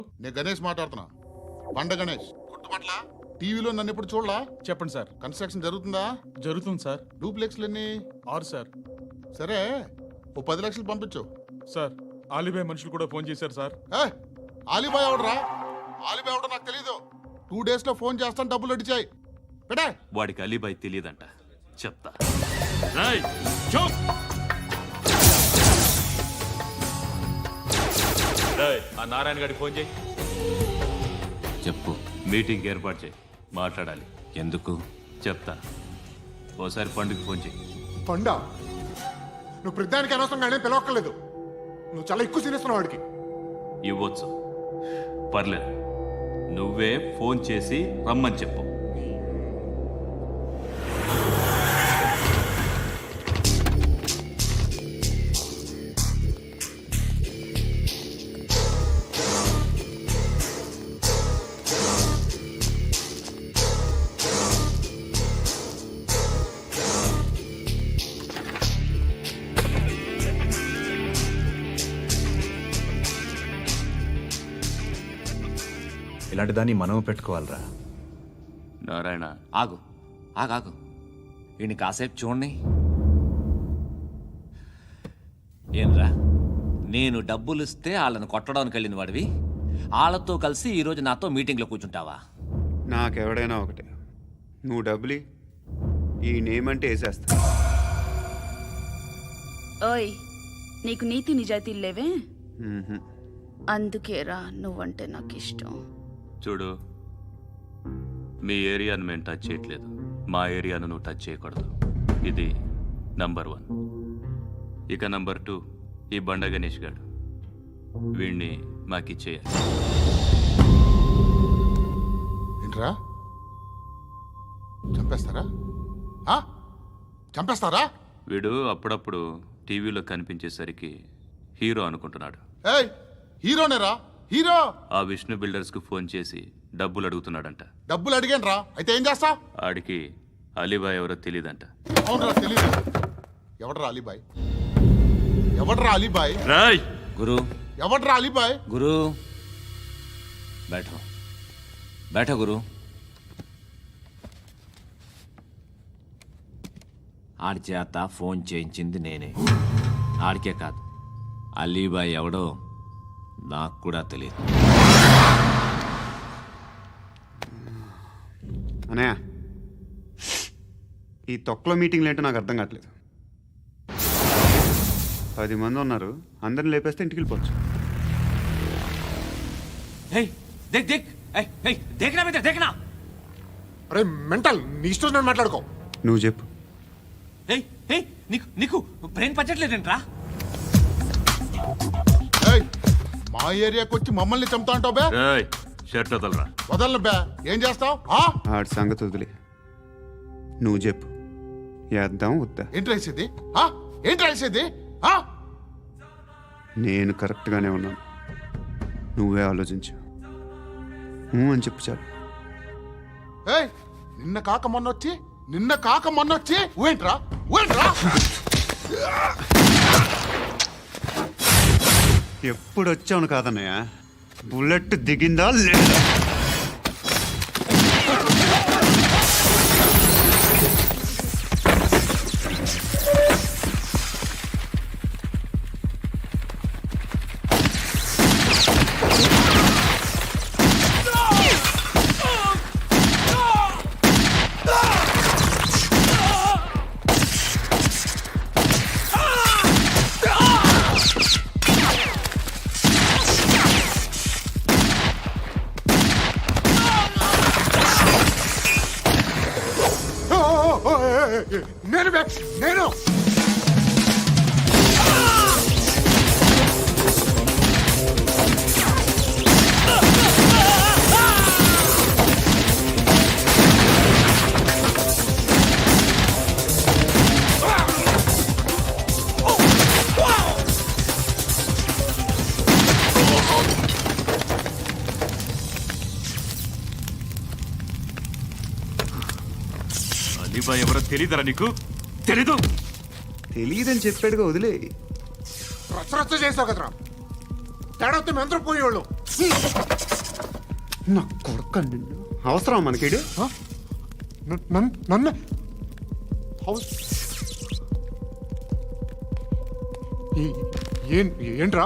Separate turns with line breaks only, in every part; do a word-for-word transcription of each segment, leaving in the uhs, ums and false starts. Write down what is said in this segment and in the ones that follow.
నేను గణేష్ మాట్లాడుతున్నా. బండ గణేష్ గుర్తుపట్ల. టీవీలో నన్ను ఎప్పుడు చూడలా?
చెప్పండి సార్.
కన్స్ట్రక్షన్ జరుగుతుందా?
జరుగుతుంది సార్.
డూప్లెక్స్లు ఎన్ని?
ఆరు సార్.
సరే, ఓ పది లక్షలు పంపించు.
సార్, ఆలిబాయ్ మనుషులు కూడా ఫోన్ చేశారు సార్.
ఏ ఆలిబాయ్ ఎవడరా? ఆలిబాయ్ ఎవడో నాకు తెలీదు. టూ డేస్ లో ఫోన్ చేస్తాను, డబ్బులు అడిచాయి పెడే.
వాడికి అలీబాయ్ తెలియదంట, చెప్తా.
ఆ నారాయణ గారికి ఫోన్ చేయి.
చెప్పు. మీటింగ్ ఏర్పాటు చేయి, మాట్లాడాలి.
ఎందుకు?
చెప్తా. ఓసారి పండుగ ఫోన్ చేయి.
పండ నువ్వు ప్రతిదానికి అనవసరంగానే పిలవక్కర్లేదు. నువ్వు చాలా ఎక్కువ సీనిస్తున్నావు వాడికి.
ఇవ్వచ్చు, పర్లేదు. నువ్వే ఫోన్ చేసి రమ్మని చెప్పు.
ఇలాంటి దాన్ని మనం పెట్టుకోవాలరా.
నారాయణ,
ఆగు ఆగాగు ఈయన కాసేపు చూడండి. ఏంరా, నేను డబ్బులు ఇస్తే వాళ్ళని కొట్టడానికి వెళ్ళిన వాడివి, వాళ్ళతో కలిసి ఈరోజు నాతో మీటింగ్లో కూర్చుంటావా?
నాకెవడైనా ఒకటే. నువ్వు డబ్బులి, ఈ నేమ్ అంటే వేసేస్తా.
ఓయ్, నీకు నీతి నిజాయితీలు లేవే,
మ్మ్హ.
అందుకేరా నువ్వంటే నాకు ఇష్టం.
చూడు, మీ ఏరియాను మేము టచ్ చేయట్లేదు, మా ఏరియాను నువ్వు టచ్ చేయకూడదు. ఇది నంబర్ వన్. ఇక నంబర్ టూ, ఈ బండ గణేష్ గాడు, వీణ్ణి మాకిచ్చేయాలి.
ఏంట్రా, చంపేస్తారా? ఆ? చంపేస్తారా?
వీడు అప్పుడప్పుడు టీవీలో కనిపించేసరికి హీరో అనుకుంటున్నాడు.
ఏయ్, హీరోనేరా, హీరో.
ఆ విష్ణు బిల్డర్స్కు ఫోన్ చేసి డబ్బులు అడుగుతున్నాడంట.
డబ్బులు అడిగాను రా, అయితే ఏం చేస్తా?
ఆడికి అలీబాయ్ ఎవరో తెలీదంట.
అవునరా, తెలీదు. ఎవడరా అలీబాయ్? ఎవడరా అలీబాయ్?
రాయ్
గురు,
ఎవడరా అలీబాయ్?
గురు బైఠో బైఠో గురు. ఆడి చేత ఫోన్ చేయించింది నేనే. ఆడికే కాదు, అలీబాయ్ ఎవడో నాకు కూడా తెలియదు.
అనయ్య, ఈ తొక్కలో మీటింగ్లు ఏంటో నాకు అర్థం కావట్లేదు. పది మంది ఉన్నారు, అందరిని లేపేస్తే ఇంటికి వెళ్ళిపోవచ్చు.
హే దేక్ దేక్ ఏయ్ ఏయ్ దేఖనా బేటా దేఖనా.
అరే మెంటల్, నీ ఇష్టం నేను మాట్లాడుకో.
నువ్వు చెప్పు.
ఏయ్ ఏయ్ నీకు నీకు బ్రెయిన్ పచ్చట్లేదంట్రా.
ఏయ్, మా ఏరియాకి వచ్చి మమ్మల్ని చంపుతా అంటావు బే?
రాయ్ షర్ట్ వదలరా.
వదలను బే. ఏం చేస్తావు?
ఆడి సంగతి వదిలే, నువ్వు చెప్పు. వేద్దాం వద్దా?
ఏంటి రాసేది? ఆ? ఏంటి రాసేది? ఆ?
నేను కరెక్ట్గానే ఉన్నాను, నువ్వే ఆలోచించు. ఊ అని చెప్పు చాలు.
ఏయ్, నిన్న కాక మొన్నొచ్చి నిన్న కాక మొన్నొచ్చి ఊయంట్రా ఊయంట్రా.
ఎప్పుడు వచ్చావును కాదన్నయ్య, బుల్లెట్ దిగిందా లేదా?
నేను బే, నేను
అలీబాయ్ ఎవరో తెలీదరా నీకు? తెలీదు?
తెలియదని చెప్పాడుగా, వదిలే.
రచ్చ రచ్చ చేసావు కదరా. తేడా వస్తే మెంతరం పోయేవాళ్ళు.
నా కొడుకు నిన్ను అవసరం మనకిడు
న- నన్- నన్ను హౌస్ ఏ- ఏం- ఏంట్రా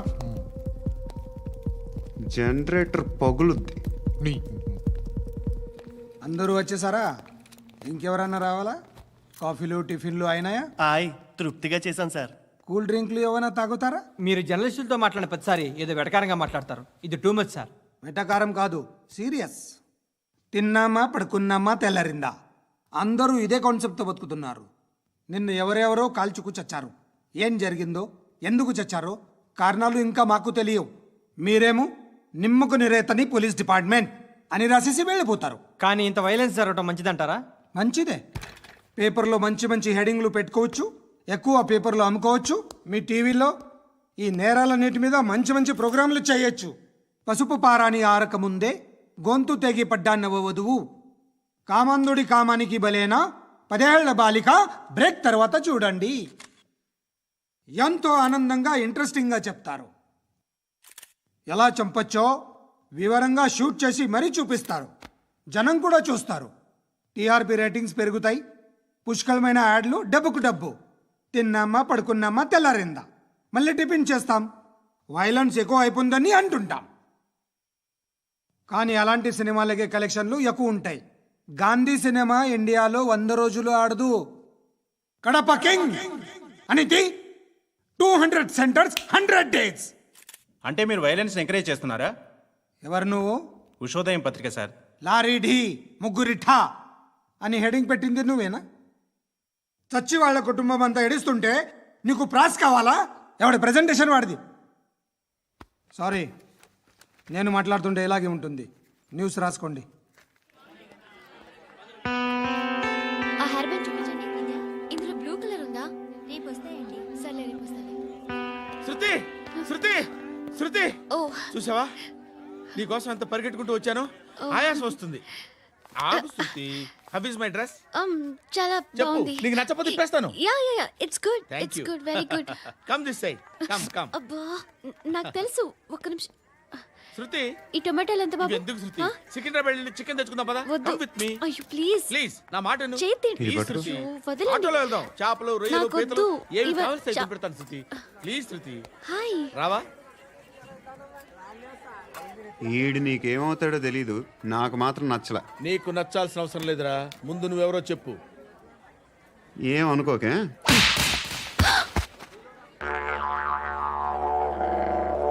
జనరేటర్ పగులుద్ది.
నీ
అందరూ వచ్చేసారా? ఇంకెవరన్నా రావాలా? కాఫీలు టిఫిన్లు అయినాయా?
ఆయ్ తృప్తిగా చేశాను సార్.
కూల్ డ్రింక్లు ఏమైనా తాగుతారా?
మీరు జర్నలిస్టులతో మాట్లాడిన ప్రతిసారి ఏదో వెటకారంగా మాట్లాడతారు. ఇది టూ మచ్ సార్.
వెటకారం కాదు, సీరియస్. తిన్నామా పడుకున్నామా తెల్లరిందా, అందరూ ఇదే కాన్సెప్ట్తో బతుకుతున్నారు. నిన్ను ఎవరెవరో కాల్చుకు చచ్చారు. ఏం జరిగిందో, ఎందుకు చచ్చారో కారణాలు ఇంకా మాకు తెలియవు. మీరేమో నిమ్మకు నిరేతని పోలీస్ డిపార్ట్మెంట్ అని రాసేసి వెళ్ళిపోతారు.
కానీ ఇంత వైలెన్స్ జరగడం మంచిదంటారా?
మంచిదే. పేపర్లో మంచి మంచి హెడింగ్లు పెట్టుకోవచ్చు, ఎక్కువ పేపర్లు అమ్ముకోవచ్చు. మీ టీవీలో ఈ నేరాలన్నిటి మీద మంచి మంచి ప్రోగ్రాంలు చేయొచ్చు. పసుపు పారాని ఆరక ముందే గొంతు తెగి పడ్డాన్నవ వధువు, కామందుడి కామానికి బలేనా పదేళ్ల బాలిక బ్రేక్ తర్వాత చూడండి. ఎంతో ఆనందంగా ఇంట్రెస్టింగ్గా చెప్తారు. ఎలా చంపచ్చో వివరంగా షూట్ చేసి మరీ చూపిస్తారు. జనం కూడా చూస్తారు. టీఆర్పీ రేటింగ్స్ పెరుగుతాయి. పుష్కలమైన యాడ్లు, డబ్బుకు డబ్బు. తిన్నామా పడుకున్నామా తెల్లారిందా, మళ్ళీ టిఫిన్ చేస్తాం. వైలెన్స్ ఎక్కువ అయిపోయిందని అంటుంటాం. కానీ అలాంటి సినిమాలకే కలెక్షన్లు ఎక్కువ ఉంటాయి. గాంధీ సినిమా ఇండియాలో వంద రోజులు ఆడదు. కడప కింగ్ అనేది two hundred centres hundred days.
అంటే మీరు వైలెన్స్ ఎంకరేజ్ చేస్తున్నారా?
ఎవరు నువ్వు?
ఉషోదయం పత్రిక సార్.
లారీ ఢీ ముగ్గురి ఠా అని హెడింగ్ పెట్టింది నువ్వేనా? చచ్చి వాళ్ళ కుటుంబం అంతా ఎడుస్తుంటే నీకు ప్రాస్ కావాలా? ఎవడి ప్రెజెంటేషన్ వాడిది. సారీ, నేను మాట్లాడుతుంటే ఇలాగే ఉంటుంది. న్యూస్ రాసుకోండి.
ఆ హెయిర్ బ్యాండ్ చూపించండి. ఇందులో బ్లూ కలర్ ఉందా? రేపు వస్తాయండి. సర్లే రేపు వస్తాను.
శృతి శృతి శృతి
ఓ
చూసావా, నీకోసం ఎంత పరిగెట్టుకుంటూ వచ్చాను. ఆయాసం వస్తుంది. ఆగు Shruti. How is my dress?
um చాలా
చెప్పు.
బాగుంది.
నీకు నచ్చకపోతే తిప్పేస్తాను.
Yeah yeah yeah it's good.
Thank
it's
you.
Good, very good.
Come this side. Come come.
అబ్బా న- నాకు తెలుసు. ఒక్క నిమిషం.
శృతి
ఈ టొమాటోలు ఎంత బాబు?
ఎందుకు శృతి?
ఆ?
సికింద్రాబాద్ వెళ్ళి చికెన్ తెచ్చుకుందాం పదా.
వద్దు.
కమ్ విత్ మీ
అయ్యో ప్లీజ్
ప్లీజ్. నా మాట విను.
చేతి
ప్లీజ్
పట్టు.
శృతి.
అయ్యో, వదలండి.
ఆటోలో వెళ్దాం. చేపలు, రొయ్యలు,
నాకు
పీతలు
వద్దు.
ఏమి
ఇవ-
కావాలి
చా-
పెడతాను శృతి. Please Shruti.
హాయ్.
రావా?
ఈడు నీకేమవుతాడో తెలీదు, నాకు మాత్రం నచ్చల.
నీకు నచ్చాల్సిన అవసరం లేదురా. ముందు నువ్వెవరో చెప్పు.
ఏం అనుకోకే.